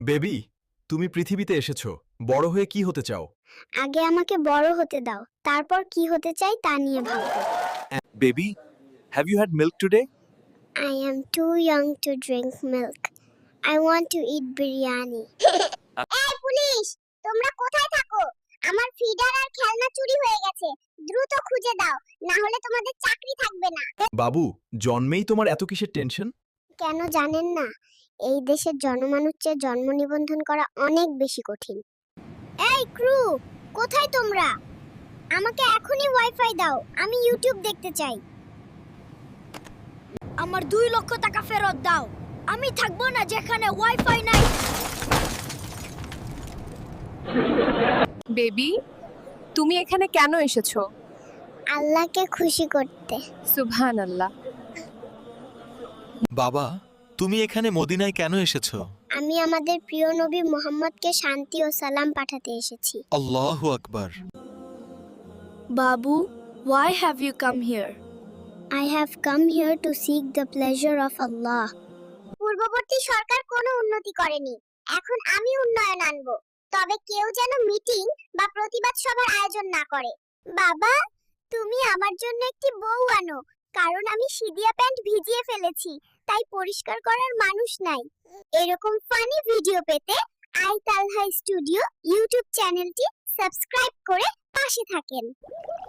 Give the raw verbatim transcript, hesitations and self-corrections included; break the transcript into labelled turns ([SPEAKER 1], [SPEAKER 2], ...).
[SPEAKER 1] Baby, তুমি পৃথিবীতে এসেছো, বড় হয়ে কি হতে চাও?
[SPEAKER 2] আগে আমাকে বড় হতে দাও, তারপর কি হতে চাই তা নিয়ে ভাববো।
[SPEAKER 3] Baby, have you had milk today?
[SPEAKER 2] I am too young to drink milk. I want to eat biryani. এই পুলিশ, তোমরা কোথায় থাকো? আমার ফিডার আর খেলনা চুরি হয়ে গেছে। দ্রুত খুঁজে দাও, না হলে তোমাদের চাকরি থাকবে না।
[SPEAKER 1] বাবু, জন্মেই তোমার এত কিসের টেনশন?
[SPEAKER 2] কেন জানেন না? এই দেশের জনমানুষ চেয়ে জন্ম নিবন্ধন করা অনেক বেশি কঠিন। এই ক্রু, কোথায় তোমরা? আমাকে এখনই ওয়াইফাই দাও, আমি ইউটিউব দেখতে চাই। আমার দুই লক্ষ টাকা ফেরত দাও, আমি থাকবো না যেখানে ওয়াইফাই নাই।
[SPEAKER 4] বেবি, তুমি এখানে কেন এসেছো?
[SPEAKER 2] আল্লাহকে খুশি করতে।
[SPEAKER 4] সুবহানাল্লাহ।
[SPEAKER 3] বাবা, তুমি এখানে মদিনায় কেন এসেছো?
[SPEAKER 2] আমি আমাদের প্রিয় নবী মুহাম্মদকে শান্তি ও সালাম পাঠাতে এসেছি।
[SPEAKER 3] আল্লাহু আকবার।
[SPEAKER 2] বাবু, why have you come here? I have come here to seek the pleasure of Allah. পূর্ববর্তী সরকার কোনো উন্নতি করেনি, এখন আমি উন্নয়ন আনবো। তবে কেউ যেন মিটিং বা প্রতিবাদ সভার আয়োজন না করে। বাবা, তুমি আমার জন্য একটি বউ আনো, কারণ আমি সিদিয়া প্যান্ট ভিজিয়ে ফেলেছি, তাই পরিষ্কার করার মানুষ নাই। এরকম ফানি ভিডিও পেতে আই তালহা স্টুডিও ইউটিউব চ্যানেলটি সাবস্ক্রাইব করে পাশে থাকেন।